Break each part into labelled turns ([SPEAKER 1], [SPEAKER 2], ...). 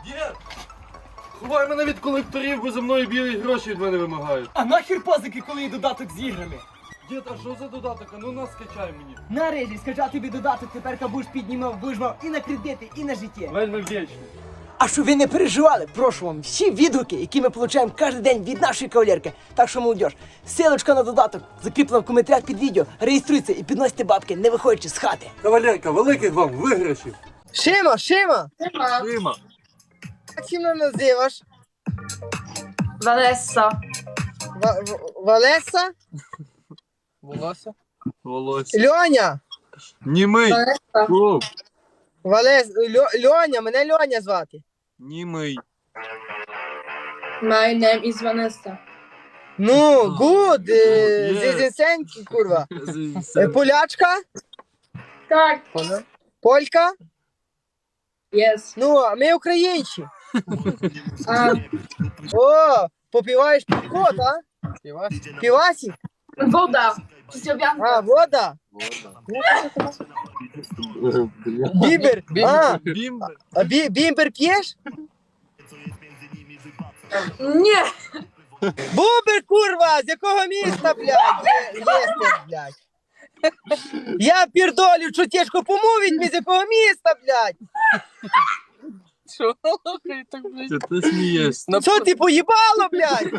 [SPEAKER 1] Дід! Ховай мене від колекторів, бо за мною білі гроші від мене вимагають.
[SPEAKER 2] А нахер позики, коли є додаток з іграми?
[SPEAKER 1] Дід, а що за додаток? А ну нас скачай мені.
[SPEAKER 2] Нарешті, скачав тобі додаток, тепер будеш піднімав, будеш мав і на кредити, і на життя.
[SPEAKER 1] Вельми вдячний.
[SPEAKER 2] А щоб ви не переживали, прошу вам всі відгуки, які ми получаємо кожен день від нашої кавалерки. Так що, молодь, ссылочка на додаток закріплена в коментарях під відео. Реєструйте і підносите бабки, не виходячи з хати.
[SPEAKER 1] Кавалерка, великих вам виграшів.
[SPEAKER 3] Шима!
[SPEAKER 1] Дима.
[SPEAKER 3] Як ти мене називаш?
[SPEAKER 4] Ванесса.
[SPEAKER 3] Валеса?
[SPEAKER 1] Волосся?
[SPEAKER 3] Льоня!
[SPEAKER 1] Німий. О,
[SPEAKER 3] Льоня, мене Льоня звати.
[SPEAKER 1] німий.
[SPEAKER 4] My name is Vanessa.
[SPEAKER 3] Ну, гуд,
[SPEAKER 1] Yes.
[SPEAKER 3] зізінсеньки, курва. Полячка?
[SPEAKER 4] Так.
[SPEAKER 3] Полька?
[SPEAKER 4] Yes.
[SPEAKER 3] Ну, а ми українці.
[SPEAKER 4] А,
[SPEAKER 3] О, попиваєш пивко, а? Пивасик?
[SPEAKER 4] woda. Przysłowianka.
[SPEAKER 3] А, вода? Бімбер? А,
[SPEAKER 1] Бімбер.
[SPEAKER 3] а бімбер п'єш?
[SPEAKER 4] Nie.
[SPEAKER 3] Бубер, курва, з якого міста, блядь? Єсте, блядь. Я пірдолю, що тяжко помовить, ми з якого міста, блядь?
[SPEAKER 1] Це ти смієшся.
[SPEAKER 3] Що ти поїбало, блядь?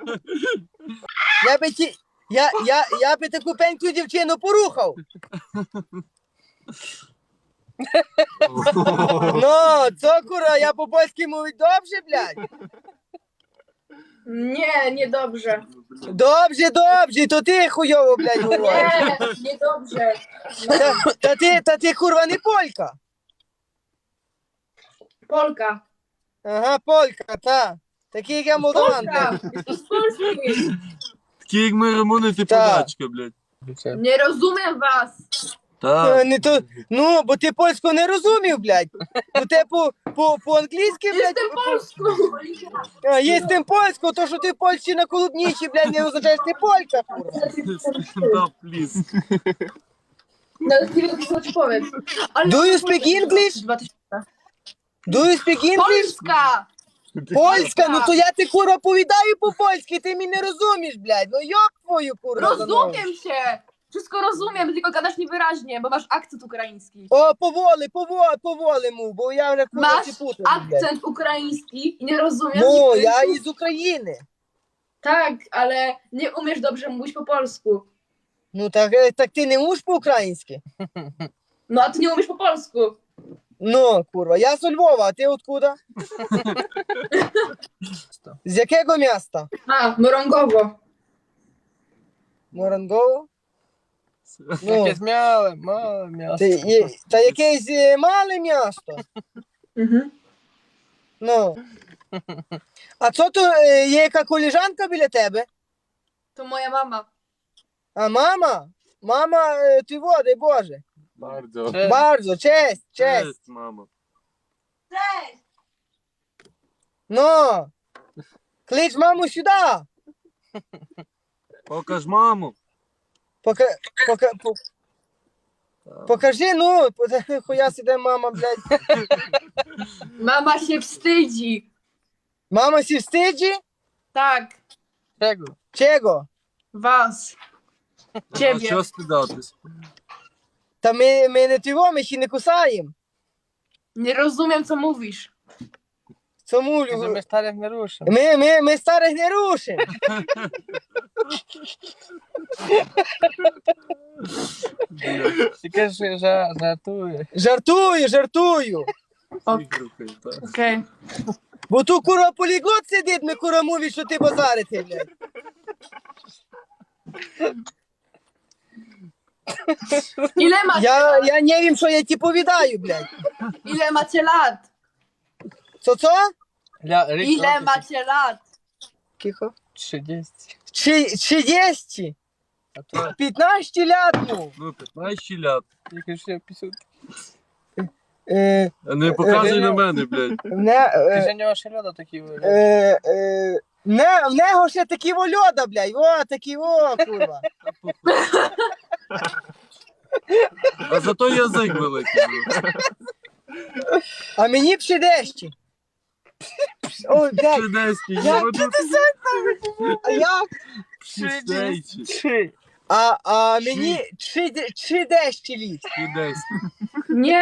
[SPEAKER 3] Я би таку пеньку дівчину порухав. Ну, цокура, я по-польськи мовить добре, блядь?
[SPEAKER 4] Nie, niedobrze.
[SPEAKER 3] Добре, то ти хуйово, блядь, говориш.
[SPEAKER 4] Nie, niedobrze.
[SPEAKER 3] Та ти, курва, не полька.
[SPEAKER 4] Polka.
[SPEAKER 3] Ага, полька, та. Такий, як я молдаван,
[SPEAKER 4] Polka.
[SPEAKER 3] блядь.
[SPEAKER 4] Jesteś z Polski.
[SPEAKER 1] Такі як ми Рамони, ти
[SPEAKER 3] Так.
[SPEAKER 1] подачка, блядь.
[SPEAKER 4] Nie rozumiem was.
[SPEAKER 1] Так.
[SPEAKER 3] Не то, ну, бо ти польську не розумів, блядь. Бо те по-англійськи, блядь.
[SPEAKER 4] Jestem Polską.
[SPEAKER 3] А, є тим польську, то що ти в Польщі на Колубнічі, блядь, не означає, що ти полька, курва.
[SPEAKER 1] Да, пліз.
[SPEAKER 4] Nawet nie wiem, co ci powiem. Ale
[SPEAKER 3] Do you speak English?
[SPEAKER 4] 2000.
[SPEAKER 3] Do you speak English?
[SPEAKER 4] Polska!
[SPEAKER 3] Польська, ну то я ти, курва, повідаю по-польськи, ти мене не розумієш, блядь. Ну йоб твою, курва. за ногу.
[SPEAKER 4] Rozumiem cię! Wszystko rozumiem, tylko gadasz niewyraźnie, bo masz akcent ukraiński.
[SPEAKER 3] О, поволи му, бо я вже, курва,
[SPEAKER 4] Masz
[SPEAKER 3] ці путаю, блядь.
[SPEAKER 4] akcent ukraiński i nie rozumiesz
[SPEAKER 3] Ну,
[SPEAKER 4] niektórych
[SPEAKER 3] я
[SPEAKER 4] słów.
[SPEAKER 3] із України.
[SPEAKER 4] Tak, ale nie umiesz dobrze mówić po polsku.
[SPEAKER 3] Ну, так ти не можеш по-українськи?
[SPEAKER 4] No a ty nie umiesz po polsku.
[SPEAKER 3] Ну, курва, я з Львова, а ти откуда? З якого міста?
[SPEAKER 4] A, Morągowo.
[SPEAKER 3] Морангово? Ну,
[SPEAKER 2] Якесь мале м'ясо.
[SPEAKER 3] та якесь мале місто.
[SPEAKER 4] Mhm.
[SPEAKER 3] Ну. А це то є яка коліжанка біля тебе?
[SPEAKER 4] To moja mama.
[SPEAKER 3] А мама? Мама, ти води, Боже.
[SPEAKER 1] Бардо.
[SPEAKER 3] Bardzo, честь.
[SPEAKER 1] Честь, мама.
[SPEAKER 4] Cześć!
[SPEAKER 3] Ну. Клич маму сюди.
[SPEAKER 1] Покаж маму.
[SPEAKER 3] Покажи, ну, хуя сіде мама, блядь.
[SPEAKER 4] Mama się wstydzi.
[SPEAKER 3] Мама сі встиджі?
[SPEAKER 4] Tak,
[SPEAKER 3] Чого?
[SPEAKER 4] was.
[SPEAKER 1] А
[SPEAKER 4] Ciebie.
[SPEAKER 1] що стидатись?
[SPEAKER 3] Та ми не тиво, ми ще не кусаємо.
[SPEAKER 4] Nie rozumiem, co mówisz.
[SPEAKER 3] Цьому
[SPEAKER 2] Ми старих не рушимо.
[SPEAKER 3] ми старих не рушимо.
[SPEAKER 2] Ти кажеш, жартує.
[SPEAKER 3] Жартую.
[SPEAKER 4] Okej.
[SPEAKER 3] Бо тут курва поліглот сидить, ми курва мовить, що ти базарити, блядь.
[SPEAKER 4] Ile macie lat?
[SPEAKER 3] Я не вім, що я ті повідаю, блядь.
[SPEAKER 4] Ile macie lat?
[SPEAKER 3] Це?
[SPEAKER 4] Ile macie lat?
[SPEAKER 3] Кихо.
[SPEAKER 2] 30.
[SPEAKER 3] Чи єсті?
[SPEAKER 2] А то
[SPEAKER 3] 15 лят, ну.
[SPEAKER 1] Ну, 15 лят.
[SPEAKER 2] я кажу, що я 50.
[SPEAKER 1] А не показуй на мене, блядь.
[SPEAKER 2] Ти ж у нього ще льода такі вигляд.
[SPEAKER 3] В нього ще такі вольода, блядь. О, такі, курва.
[SPEAKER 1] А зато язик великий.
[SPEAKER 3] А мені б ще дещі. Ой, блядь,
[SPEAKER 1] Чудеський,
[SPEAKER 3] як ти а як?
[SPEAKER 1] Чудеський.
[SPEAKER 3] А мені чи дещі ліс?
[SPEAKER 1] Чудеський.
[SPEAKER 4] Nie.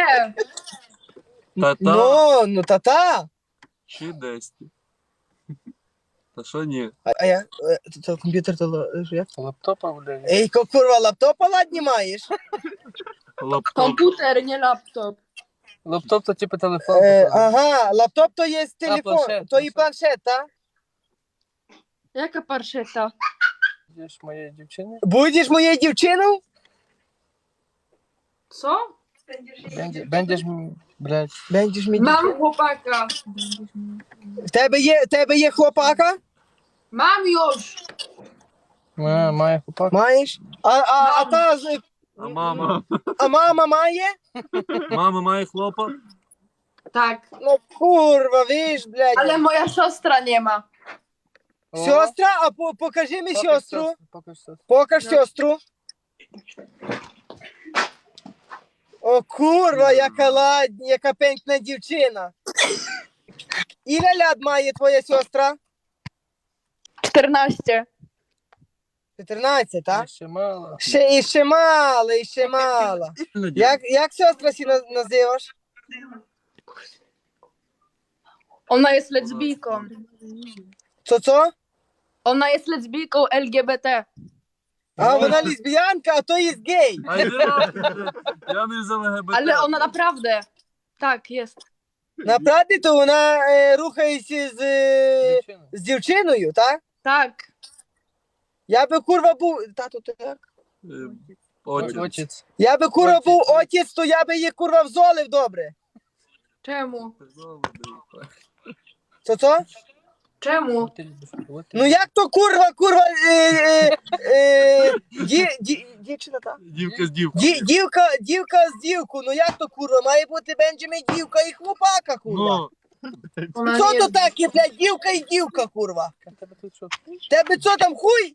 [SPEAKER 1] Та-та.
[SPEAKER 3] Ну, та-та.
[SPEAKER 1] Чудеський. Та що ні?
[SPEAKER 3] А я, то комп'ютер, то як?
[SPEAKER 5] Лаптопа, блядь.
[SPEAKER 3] Ей, курва, лаптопа ладні маєш?
[SPEAKER 1] Лаптоп.
[SPEAKER 4] Komputer, nie laptop.
[SPEAKER 5] Лаптоп то типу телефон.
[SPEAKER 3] Ага, лаптоп то є телефон,
[SPEAKER 5] планшет,
[SPEAKER 3] то і планшет, так?
[SPEAKER 4] Jaka parszeta?
[SPEAKER 5] Будеш моєї дівчини?
[SPEAKER 3] Будеш моєю дівчиною?
[SPEAKER 4] Co?
[SPEAKER 5] Бендиш, блядь.
[SPEAKER 3] Будеш мені.
[SPEAKER 4] Mam chłopaka.
[SPEAKER 3] В тебе є хлопака?
[SPEAKER 4] Mam już.
[SPEAKER 5] Має хлопак.
[SPEAKER 3] Маєш? А та
[SPEAKER 1] А мама?
[SPEAKER 3] а мама має?
[SPEAKER 1] Мама має хлопа?
[SPEAKER 4] Tak.
[SPEAKER 3] Ну курва, виж, блядь.
[SPEAKER 4] Ale moja siostra nie ma.
[SPEAKER 3] Сестра, а покажи мені сестру.
[SPEAKER 5] Покаж сестру.
[SPEAKER 3] Покаж сестру. О, курва, яка ладня, яка пенькна дівчина. Іля ляд має твоя сестра?
[SPEAKER 4] 14.
[SPEAKER 3] 14, так?
[SPEAKER 5] Ще мало.
[SPEAKER 3] Ще мало, і ще мало. Як сестра сі називаєш?
[SPEAKER 4] Ona jest lesbijką.
[SPEAKER 3] Co?
[SPEAKER 4] Ona jest lesbijką LGBT.
[SPEAKER 3] А вона лесбіянка, а то є гей.
[SPEAKER 1] Ай, не надо. Я не з ЛГБТ.
[SPEAKER 4] Ale ona naprawdę. Tak, jest.
[SPEAKER 3] Направді, то вона рухається
[SPEAKER 5] Дівчина.
[SPEAKER 3] з дівчиною, так?
[SPEAKER 4] Tak.
[SPEAKER 3] Я би курва був. Тату, ти як?
[SPEAKER 1] Отець.
[SPEAKER 5] Отець.
[SPEAKER 3] Я би курва був отець, то я би її курва взолив добре.
[SPEAKER 4] Czemu?
[SPEAKER 3] Це?
[SPEAKER 4] Czemu?
[SPEAKER 3] Ну як то курва, дівчина, так?
[SPEAKER 1] Дівка з дівкою.
[SPEAKER 3] Дівка з дівку, ну як то курва, має бути Бенджамін дівка і хлопака, курва.
[SPEAKER 1] Ну,
[SPEAKER 4] Ona
[SPEAKER 3] Що
[SPEAKER 4] nie
[SPEAKER 3] то
[SPEAKER 4] jest.
[SPEAKER 3] таке, блядь, дівка і дівка, курва?
[SPEAKER 5] Тебе тут що?
[SPEAKER 3] Тебе що там хуй?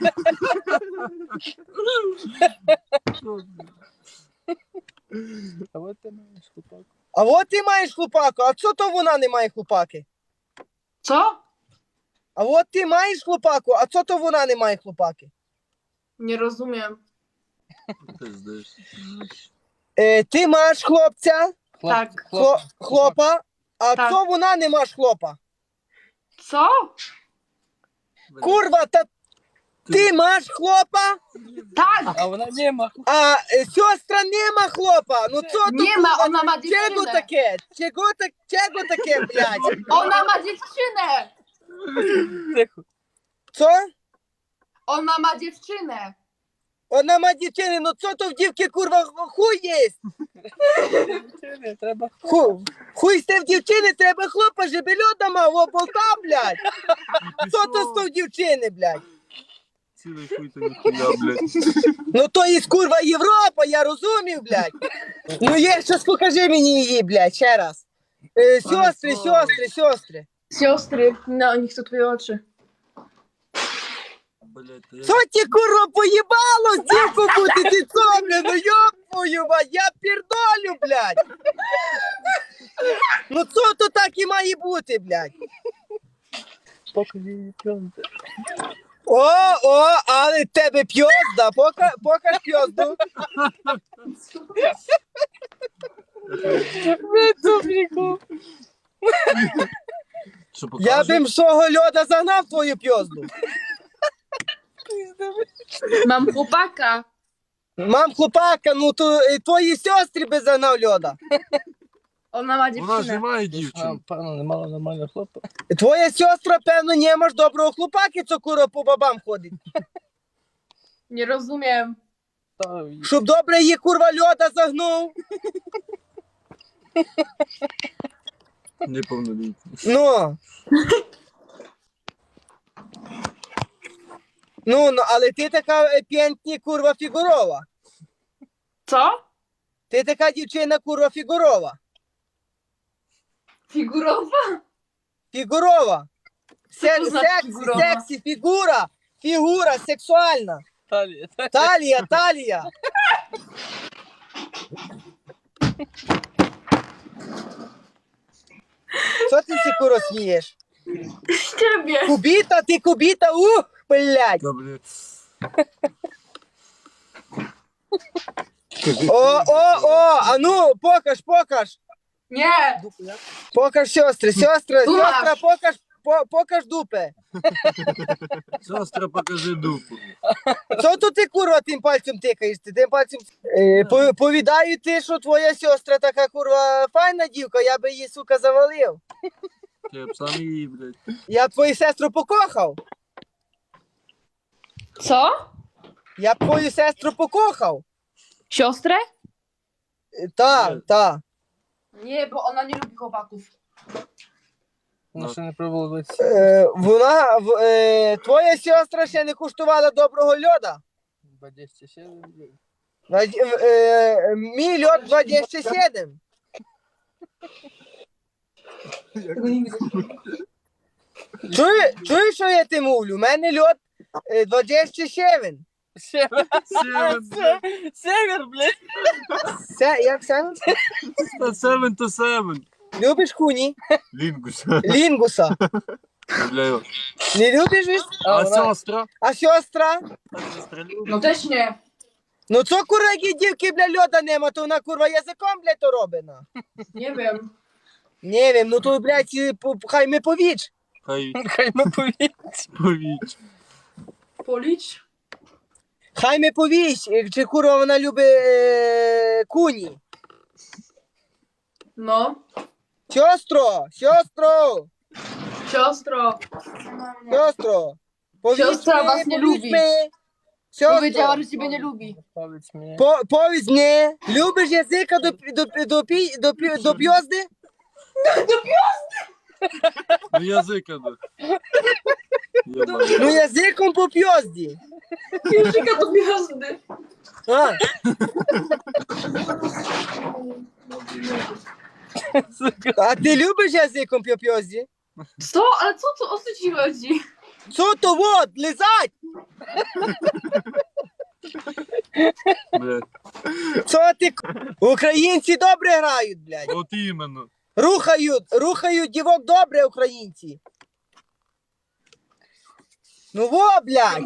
[SPEAKER 5] А от ти маєш хлопак.
[SPEAKER 3] А от ти маєш хлопаку, а що то вона не має хлопаки?
[SPEAKER 4] Co?
[SPEAKER 3] А от ти маєш хлопаку, а що то вона не має хлопаки?
[SPEAKER 4] Nie rozumiem.
[SPEAKER 1] ти знаєш.
[SPEAKER 3] Ти маєш хлопця,
[SPEAKER 4] Так.
[SPEAKER 3] хлопа, а
[SPEAKER 4] Так.
[SPEAKER 3] що вона не маєш хлопа?
[SPEAKER 4] Co?
[SPEAKER 3] Курва, та ти маєш хлопа,
[SPEAKER 4] Tak!
[SPEAKER 5] А вона нема.
[SPEAKER 3] а сестра нема хлопа. Ну що то
[SPEAKER 4] Nie ma,
[SPEAKER 3] курва,
[SPEAKER 4] ona ma
[SPEAKER 3] чого
[SPEAKER 4] dziewczynę.
[SPEAKER 3] таке? Чого таке, блядь?
[SPEAKER 4] Ona ma dziewczynę!
[SPEAKER 5] Тихо.
[SPEAKER 3] Що?
[SPEAKER 4] Ona ma dziewczynę!
[SPEAKER 3] Вона ма дівчини, ну що то в дівки, курва, хуй є?
[SPEAKER 5] Дівчини, треба.
[SPEAKER 3] Хуй сте в дівчини, треба хлопа, жебельода мав, о, болта, блядь. Що то з в дівчини, блядь?
[SPEAKER 1] Цілий хуй то ніхуя, блядь.
[SPEAKER 3] Ну то є курва Європа, я розумів, блядь. Ну є, щось покажи мені її, блядь, ще раз. Сестри.
[SPEAKER 4] Siostry, no nie chcę twoje oczy.
[SPEAKER 1] Блядь, та я...
[SPEAKER 3] Що ті, курва, поїбало з дівку бути, ти що, блядь, ну йоп твою мать, я пірдолю, блядь. Ну що то так і має бути, блядь.
[SPEAKER 5] Покажи її пленки.
[SPEAKER 3] О, але в тебе п'йозда, покаж п'йозду.
[SPEAKER 1] Що
[SPEAKER 3] Я
[SPEAKER 1] покажу?
[SPEAKER 3] б свого льода загнав твою п'йозду.
[SPEAKER 4] Mam chłopaka!
[SPEAKER 3] Мам, хлопака, ну то твої сестри би загнав льода.
[SPEAKER 4] Ona ma
[SPEAKER 1] Вона ж не
[SPEAKER 4] dziewczynę.
[SPEAKER 1] має
[SPEAKER 5] Дівчина,
[SPEAKER 1] дівчин.
[SPEAKER 5] певно, не мала нормального хлопа.
[SPEAKER 3] Твоя сестра, певно, не маєш доброго хлопаки, co кура по бабам ходить.
[SPEAKER 4] Nie rozumiem.
[SPEAKER 5] Та,
[SPEAKER 3] Щоб добре її курва льода загнув.
[SPEAKER 1] Неповнолітній.
[SPEAKER 3] Ну, але ти така п'єнтні курва фігурова.
[SPEAKER 4] Co?
[SPEAKER 3] Ти така дівчина курва фігурова.
[SPEAKER 4] Figurowa?
[SPEAKER 3] Фігурова.
[SPEAKER 4] Co to znaczy figurowa?
[SPEAKER 3] Сексі, фігура, сексуальна.
[SPEAKER 5] Талія.
[SPEAKER 3] Талія. Що ти всі куро смієш?
[SPEAKER 4] Ciebie.
[SPEAKER 3] Кубіта, ти кубіта, блядь.
[SPEAKER 1] Добре.
[SPEAKER 3] О, а ну, покаж.
[SPEAKER 4] Nie.
[SPEAKER 3] Покаж сестри, сестра,
[SPEAKER 4] Маш.
[SPEAKER 3] покаж дупе.
[SPEAKER 1] Сестра, покажи дупу.
[SPEAKER 3] Що тут ти, курва, тим пальцем тикаєш? Ти тим пальцем... Повідаю ти, що твоя сестра така, курва, файна дівка, я би її, сука, завалив.
[SPEAKER 1] Я б сам її, блядь.
[SPEAKER 3] Я б твою сестру покохав.
[SPEAKER 4] Co?
[SPEAKER 3] Я б твою сестру покохав.
[SPEAKER 4] Siostrę?
[SPEAKER 3] Так.
[SPEAKER 4] Nie, bo ona nie lubi chłopaków.
[SPEAKER 5] Ну, ще не пробувала 20.
[SPEAKER 3] Твоя сестра ще не куштувала доброго льода.
[SPEAKER 5] 27.
[SPEAKER 3] Мій льод 27. Чуєш, що я ти мовлю? У мене льод 27.
[SPEAKER 5] Север, блядь.
[SPEAKER 3] Як саме?
[SPEAKER 1] Seven to seven.
[SPEAKER 3] Любиш хуні?
[SPEAKER 1] Лінгус.
[SPEAKER 3] Лінгуса.
[SPEAKER 1] Бля,
[SPEAKER 3] Не любиш?
[SPEAKER 1] а сестра?
[SPEAKER 3] А сестра?
[SPEAKER 1] Сестра любить.
[SPEAKER 4] No też nie.
[SPEAKER 3] Ну це курва, які дівки, бля, льода нема, то вона курва язиком, бля, то робина.
[SPEAKER 4] Nie wiem.
[SPEAKER 3] Не wiem, ну то, блядь, хай ми повіч.
[SPEAKER 5] Хай ми
[SPEAKER 1] Повіч.
[SPEAKER 4] Policz?
[SPEAKER 3] Хай ми повіч, чи курва вона любить куні.
[SPEAKER 4] No.
[SPEAKER 3] Сестро.
[SPEAKER 4] Siostra was nie lubi. Powiedziała,
[SPEAKER 3] Сестро,
[SPEAKER 4] że ciebie nie lubi.
[SPEAKER 5] Powiedz мені.
[SPEAKER 3] повідь мені, любиш язика до п'язди?
[SPEAKER 1] Ну язика, да.
[SPEAKER 3] Ну язиком по п'язді.
[SPEAKER 4] Języka do gwiazdy.
[SPEAKER 3] А, а ти любиш язиком по п'язді?
[SPEAKER 4] Co? Ale co o co ci chodzi?
[SPEAKER 3] Що то вот, лизать?
[SPEAKER 1] Блядь.
[SPEAKER 3] Що ти? Українці добре грають, блядь.
[SPEAKER 1] От іменно.
[SPEAKER 3] Рухають дівок добре, українці. Ну во, блядь.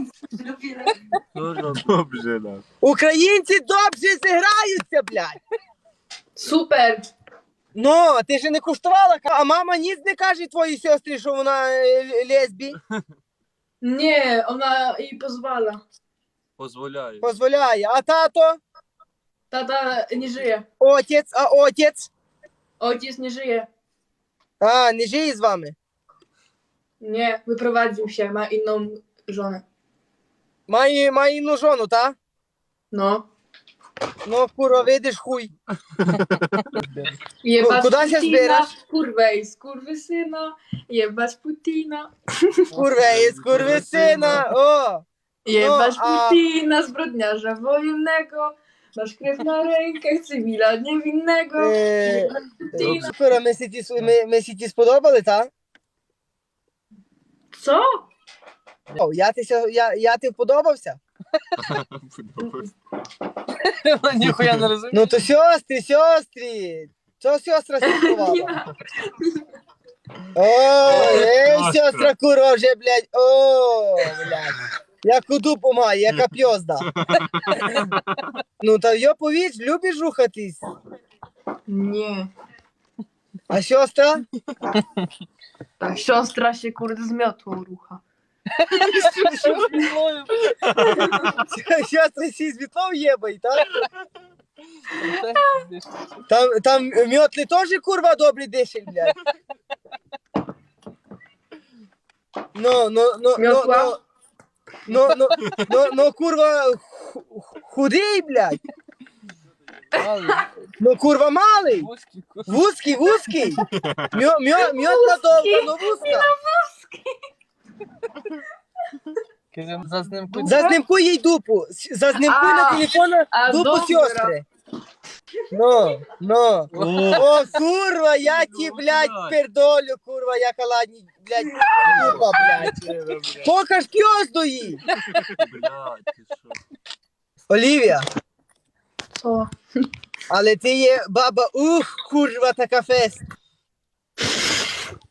[SPEAKER 1] Добре, да.
[SPEAKER 3] Українці добре зіграються, блядь.
[SPEAKER 4] Super.
[SPEAKER 3] Ну, ти ж не куштувала, а мама ніц не каже твоїй сестрі, що вона лесбі.
[SPEAKER 4] Nie, ona jej pozwala.
[SPEAKER 1] Позволяє.
[SPEAKER 3] Позволяє. А тато?
[SPEAKER 4] Tata nie żyje.
[SPEAKER 3] Отець, а отець?
[SPEAKER 4] Ojciec nie żyje.
[SPEAKER 3] А, не живе з вами.
[SPEAKER 4] Nie, wyprowadził się, ma inną żonę.
[SPEAKER 3] Має інну жону, та?
[SPEAKER 4] No.
[SPEAKER 3] Ну, курва, видиш хуй.
[SPEAKER 4] Jebać
[SPEAKER 3] Kuda się
[SPEAKER 4] Putina,
[SPEAKER 3] zbierasz?
[SPEAKER 4] kurwę i skurwysyna, jebać Putina.
[SPEAKER 3] Kurwa, є скурвисина. О!
[SPEAKER 4] Jebać
[SPEAKER 3] No, a-
[SPEAKER 4] Putina, zbrodniarza wojennego. Masz krew na rękach, cywila niewinnego. Putina.
[SPEAKER 3] Курва, ми сі ті сподобали, та?
[SPEAKER 4] Co?
[SPEAKER 3] О, я ти вподобався?
[SPEAKER 5] Ніхуя не розумію.
[SPEAKER 3] Ну то сестрі. Що сестра спілкувала?
[SPEAKER 4] Ja.
[SPEAKER 3] О,
[SPEAKER 1] Сестра.
[SPEAKER 3] сестра курва вже, блядь. О, блядь. Яку дупу має, яка п'йозда. Ну та йо повіч, любиш рухатись.
[SPEAKER 4] Nie.
[SPEAKER 3] А сестра?
[SPEAKER 4] Ta siostra się kurde zmiotło rucha.
[SPEAKER 3] Сестра сі з вітлом єбай, так? Там мьотли теж курва добрі дишель, блядь.
[SPEAKER 4] Miotła?
[SPEAKER 3] Курва худий, блядь. Ну курва малий. Вузький. Мьотла довга, но вузька. Зазнимкуй їй дупу. Зазнимкуй на телефона дупу
[SPEAKER 4] добре.
[SPEAKER 3] сестри. Ну. О, курва, я ті, блядь, пердолю, курва, яка ладні, блядь, дупа, блядь. Покаж п'йозду їй.
[SPEAKER 1] Блядь, ти що?
[SPEAKER 3] Олівія,
[SPEAKER 4] Co?
[SPEAKER 3] але ти є баба, курва, така фест.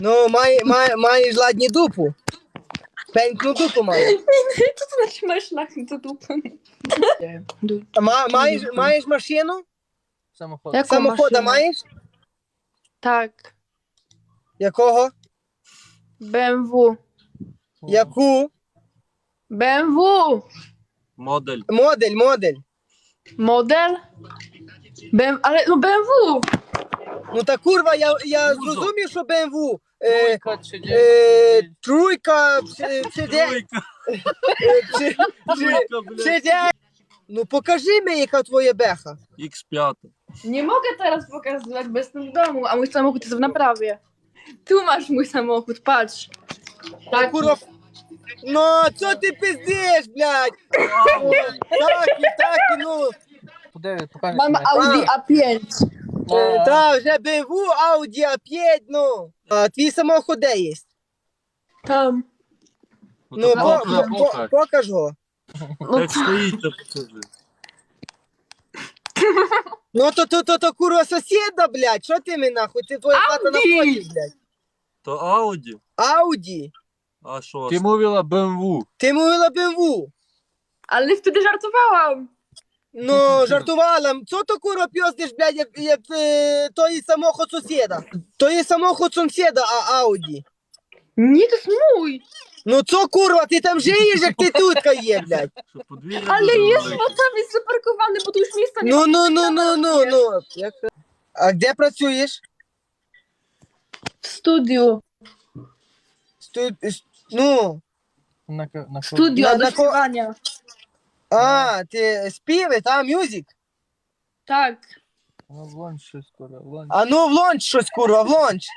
[SPEAKER 3] Ну, маєш ладні дупу. Пенькну дупу маєш.
[SPEAKER 4] Co to znaczy masz lachy do dupy?
[SPEAKER 3] А маєш машину?
[SPEAKER 5] Samochód.
[SPEAKER 4] Jaką
[SPEAKER 3] Самохода
[SPEAKER 4] maszynę?
[SPEAKER 3] маєш?
[SPEAKER 4] Tak.
[SPEAKER 3] Якого?
[SPEAKER 4] BMW.
[SPEAKER 3] Яку?
[SPEAKER 4] BMW!
[SPEAKER 1] Модель.
[SPEAKER 3] Модель.
[SPEAKER 4] Model? Ale no BMW!
[SPEAKER 3] Ну та курва, я зрозумів, що BMW.
[SPEAKER 5] Trójka, 30.
[SPEAKER 3] Тройка,
[SPEAKER 1] Тройка,
[SPEAKER 3] Ну покажи мені, яка твоя беха.
[SPEAKER 1] X5.
[SPEAKER 4] Nie mogę teraz pokazywać, bo jestem w domu, a mój samochód jest w naprawie. Tu masz mój samochód, patrz. Tak,
[SPEAKER 3] Курва. Ну, що ти пиздиш, блядь? Так, ну.
[SPEAKER 5] Подивись, покажи.
[SPEAKER 4] mam Audi A5.
[SPEAKER 3] Та, вже BMW, Audi A5, ну. А твій самоход де є?
[SPEAKER 4] Tam.
[SPEAKER 3] Ну,
[SPEAKER 1] покаж.
[SPEAKER 3] покаж його.
[SPEAKER 1] Як стоїть, то покажи.
[SPEAKER 3] Ну, то курва сусіда, блядь, що ти мені нахуй? Ти твоя хата на
[SPEAKER 4] Audi!
[SPEAKER 3] полі, блядь.
[SPEAKER 1] То Ауді?
[SPEAKER 3] Audi.
[SPEAKER 1] А що?
[SPEAKER 6] Ти мовила BMW.
[SPEAKER 3] Ти мовила BMW.
[SPEAKER 4] Ale wtedy żartowałam.
[SPEAKER 3] Ну, жартувала. Що то курва п'єздиш, блядь, як той самоход сусіда? То є самоход сусіда, а Audi.
[SPEAKER 4] Nie, to jest mój.
[SPEAKER 3] Ну, що курва, ти там żyjesz, як ти тутка є, блядь?
[SPEAKER 1] Що подвір'я
[SPEAKER 4] Ale
[SPEAKER 1] дуже
[SPEAKER 4] jest,
[SPEAKER 1] велике.
[SPEAKER 4] bo tam jest zaparkowany, bo tu już miejsca nie ma.
[SPEAKER 3] Ну. А де працюєш?
[SPEAKER 4] W studiu.
[SPEAKER 3] Ну,
[SPEAKER 5] Na
[SPEAKER 4] Studio
[SPEAKER 3] Na-
[SPEAKER 4] do
[SPEAKER 3] na ko-
[SPEAKER 4] śpiewania.
[SPEAKER 3] ти співи, та, мюзик?
[SPEAKER 4] Tak.
[SPEAKER 5] No włącz wszystko, włącz.
[SPEAKER 3] А ну, влонч щось, курва, влонч.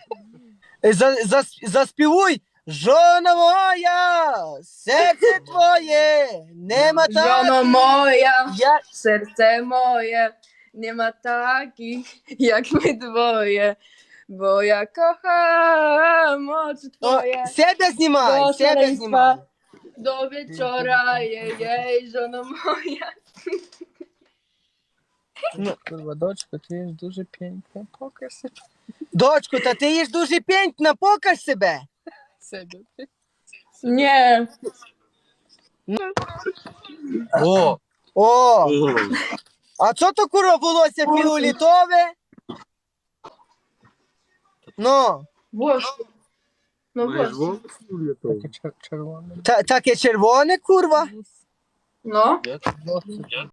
[SPEAKER 3] Заспівуй. Жона моя, серце твоє, нема
[SPEAKER 4] Żono moja,
[SPEAKER 3] Я...
[SPEAKER 4] serce moje, nie ma takich jak my dwoje, bo ja kocham oczy
[SPEAKER 3] О,
[SPEAKER 4] twoje.
[SPEAKER 3] себе знімай,
[SPEAKER 4] Do
[SPEAKER 3] себе знімай.
[SPEAKER 4] szaleństwa, do wieczora, jej, żono moja.
[SPEAKER 5] Kurwa, doczko, ty jest duży, piękny, pokaż
[SPEAKER 3] Дочко, та ти є ж дуже пєнтна, покаж себе.
[SPEAKER 5] sobie.
[SPEAKER 4] Nie,
[SPEAKER 1] О!
[SPEAKER 3] О,
[SPEAKER 1] О!
[SPEAKER 3] а що то курва волосся фіолетове? Ну,
[SPEAKER 4] włosy. No
[SPEAKER 1] Маєш
[SPEAKER 4] włosy.
[SPEAKER 1] вовк?
[SPEAKER 5] Takie czerwone.
[SPEAKER 3] таке червоне, курва.
[SPEAKER 4] No.
[SPEAKER 1] Як?
[SPEAKER 5] Włosy.